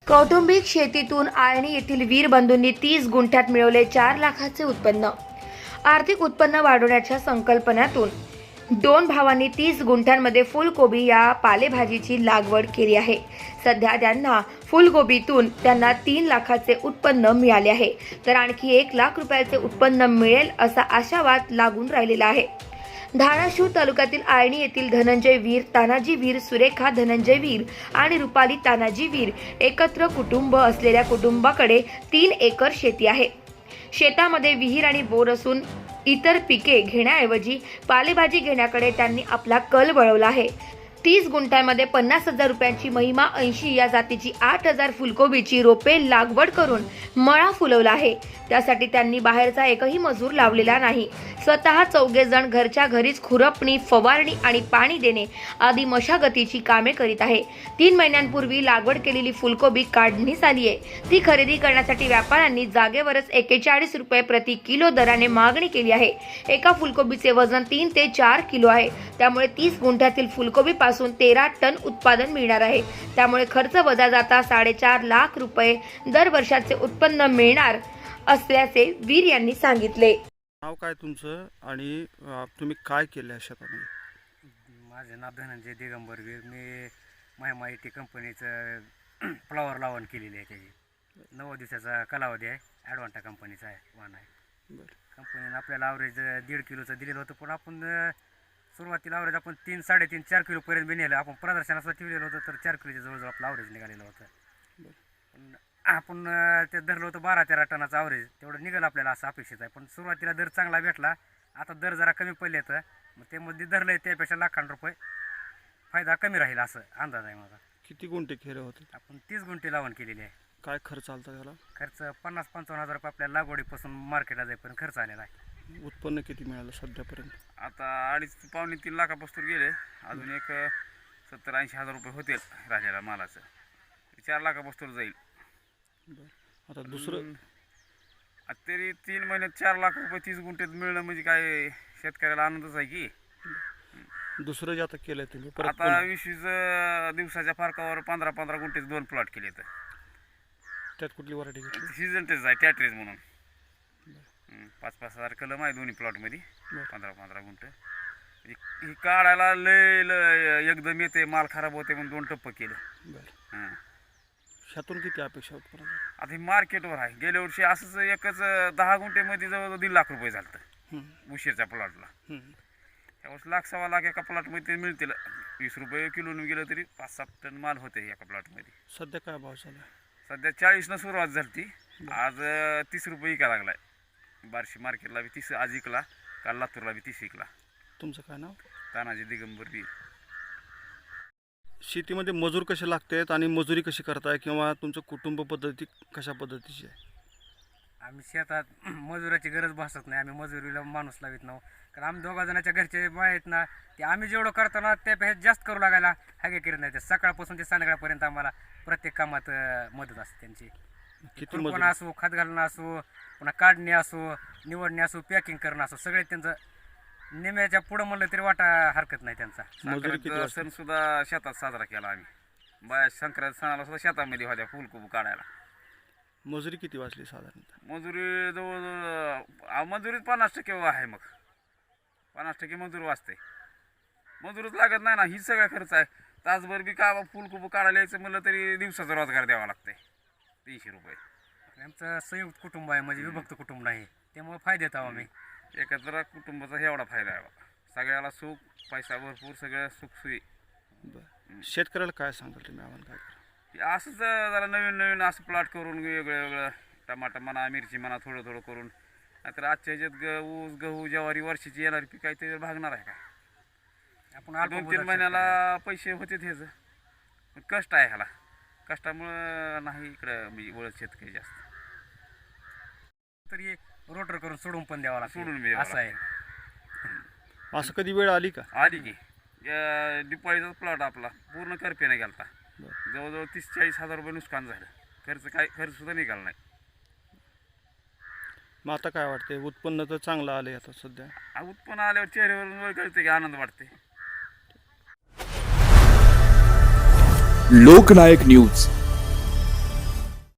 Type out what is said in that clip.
कौटुंबिक शेतीतून आळणी येथील वीर बंधूंनी 30 गुंठ्यात मिळवले 4 लाखाचे उत्पन्न। आर्थिक उत्पन्न वाढवण्याच्या संकल्पनेतून दोन भावांनी 30 गुंठ्यांमध्ये फुलकोबी या पालेभाजीची लागवड केली आहे। सध्या त्यांना फुलकोबीतून त्यांना 3 लाखाचे उत्पन्न मिळाले आहे, तर आणखी 1 लाख रुपयाचे उत्पन्न मिळेल असा आशावाद लागून राहिलेला आहे। धाराशिव तालुक्यातील आळणी येथील धनंजय वीर, तानाजी वीर, सुरेखा धनंजय वीर आणि रुपाली तानाजी वीर एकत्र कुटुंब असलेल्या कुटुंबाकडे 3 एकर शेती आहे। शेतामध्ये विहीर आणि बोर असून इतर पिके घेण्याऐवजी पालेभाजी घेण्याकडे त्यांनी आपला कल वळवला आहे। 30 गुंठ्यांमध्ये 50,000 रुपयांची महिमा 80 या जातीची 8,000 फुलकोबीची रोपे लागवड करून मळा फुलवला आहे। त्यासाठी त्यांनी बाहेरचा एकही मजूर लावलेला नाही। स्वतः 4 जण घरच्या घरीच खुरपणी, फवारणी आणि पाणी देणे आदी मशागतीची कामे करीत आहे। 3 महिन्यांपूर्वी लागवड केलेली फुलकोबी काढणीस आली आहे। ती खरेदी करण्यासाठी व्यापाऱ्यांनी जागेवरच 41 रुपये प्रति किलो दराने मागणी केली आहे। एका फुलकोबीचे वजन 3 ते 4 किलो आहे। त्यामुळे 30 गुंठ्यातील फुलकोबी पासून 13 टन उत्पादन मिळणार आहे। त्यामुळे खर्च वजा जाता 4.5 लाख रुपये दर वर्षाचे उत्पन्न मिळणार असल्याचे वीर यांनी सांगितले। नाव काय तुमचं आणि तुम्ही काय केलं आहे शेतामध्ये? माझं नाव धनंजय दिगंबर वीर। मी महिमा IT कंपनीचं फ्लॉवर लावण केलेली आहे। त्याची 9 दिवसाचा कालावधी आहे। ॲडवांटा कंपनीचा आहे, वाण आहे। कंपनीनं आपल्याला ॲव्हरेज 1.5 किलोचं दिलेलं होतं, पण आपण सुरुवातीला ॲव्हरेज आपण 3, 3.5, 4 किलोपर्यंत बी नेलं। आपण प्रदर्शनाचं ठेवलेलं होतं, तर 4 किलोच्या जवळजवळ आपलं ॲव्हरेज निघालेलं होतं। पण आपण ते धरलं होतं 12-13 टनाचं ॲव्हरेज, तेवढं निघालं आपल्याला असं अपेक्षित आहे। पण सुरुवातीला दर चांगला भेटला, आता दर जरा कमी पडले तर मग ते मध्ये धरलं आहे त्यापेक्षा लाखांनी रुपये फायदा कमी राहील असं अंदाज आहे माझा। किती गुंठे केले होते? आपण 30 गुंठे लावण केलेली आहे। काय खर्च आलता त्याला? खर्च 50-55 रुपये आपल्या लागवडीपासून मार्केटला जाईपर्यंत खर्च आलेला आहे। उत्पन्न किती मिळालं सध्यापर्यंत? आता 2.5 पावणे 3 लाखापासून गेले। अजून एक 70-80 हजार रुपये होतील राहिलेला मालाचं। 4 लाखापासून जाईल। आता दुसरं तरी 3 महिन्यात 4 लाख रुपये 30 गुंठ्यात मिळणं म्हणजे काय शेतकऱ्याला आनंदच आहे की। दुसरं जे आता केलंय तुम्ही परत आता 20 दिवसाच्या फरकावर 15-15 गुंठेच 2 प्लॉट केले तर त्यात कुठली व्हरायटी घेतली? सीझन टेस्ट आहे, टॅटरेज म्हणून। 5-5 हजार कलम आहे दोन्ही प्लॉटमध्ये, 15-15 गुंठ। ही काढायला लय एकदम येते, माल खराब होते म्हणून 2 टप्प केलं। बरं, ह्यातून किती अपेक्षा उत्पन्न? आता हे मार्केटवर आहे। गेल्या वर्षी असंच एकच 10 गुंठेमध्ये जवळ 1.5 लाख रुपये झालं उशीरच्या प्लॉटला। त्यावेळेस 1.25 लाख एका प्लॉटमध्ये मिळतील। 20 रुपये किलोनं गेलं तरी 5-7 टन माल होते एका प्लॉटमध्ये। सध्या काय भाव चालू आहे? सध्या 40 सुरुवात झाली, आज 30 रुपये विका लागलाय। बार्शी मार्केटला बी 30 आज विकला, काल लातूरला बी 30 विकला। तुमचं काय नाव? तानाजी दिगंबर वीर। शेतीमध्ये मजूर कसे लागतात आणि मजुरी कशी करताय, किंवा तुमचं कुटुंब पद्धती कशा पद्धतीची आहे? आम्ही शेतात मजुराची गरज भासत नाही। आम्ही मजुरीला माणूस लावित नाही, कारण आम्ही 2 जणांच्या घरचे आहेत ना, ते आम्ही जेवढं करतो ना त्यापेक्षा जास्त करू लागायला हागे करीत नाही। ते सकाळपासून ते संध्याकाळपर्यंत आम्हाला प्रत्येक कामात मदत असते त्यांची। किती खुरपण असो, खत घालणं असो, पुन्हा काढणे असो, निवडणे असो, पॅकिंग करणं असो, सगळे त्यांचं निम्याच्या पुढं म्हणलं तरी वाटा हरकत नाही त्यांचा। संक्रांत सण सुद्धा शेतात साजरा केला आम्ही। बाया संक्रांत सणाला सुद्धा शेतामध्ये होत्या फुलकोबी काढायला। मजुरी किती वाजली साधारणतः? मजुरी जवळ मजुरीत 50% आहे। मग 50% मजूर वाचते, मजूरच लागत नाही ना। ही सगळा खर्च आहे। तासभर बी का फुलकोबी काढायला यायचं म्हणलं तरी दिवसाचा रोजगार द्यावा लागते 300 रुपये। आमचं संयुक्त कुटुंब आहे, म्हणजे विभक्त कुटुंब नाही, त्यामुळे फायद्यात आहोत आम्ही। एकत्र कुटुंबाचा एवढा फायदा आहे बा। सगळ्याला सुख, पैसा भरपूर, सगळं सुखसुई। बरं, शेतकऱ्याला काय सांगाल तुम्ही? आव्हान काय करा? असंच जरा नवीन असं प्लॉट करून वेगळं टमाटा म्हणा, मिरची म्हणा, थोडं करून। नाहीतर आजच्या ह्याच्यात ऊस, गहू, ज्वारी वर्षाची येणारी पीक आहे ते भागणार आहे का? आपण 2-3 महिन्याला पैसे होते ह्याचं, पण कष्ट आहे ह्याला। कष्टामुळं नाही इकडं म्हणजे वळत शेतकरी जास्त। तरी रोटर करून सोडून पण द्यावा लागतो, सोडून बी द्यावं असं आहे। असं कधी वेळ आली का? आली की दिपाळीचा प्लॉट आपला पूर्ण करपेने गेलता। जवळजवळ 30-40 हजार रुपये नुकसान झालं। खर्च सुद्धा निघाला नाही। मग आता काय वाटते? उत्पन्न तर चांगलं आलंय आता सध्या। उत्पन्न आल्यावर चेहऱ्यावरून वर कळते की आनंद वाटते। लोकनायक न्यूज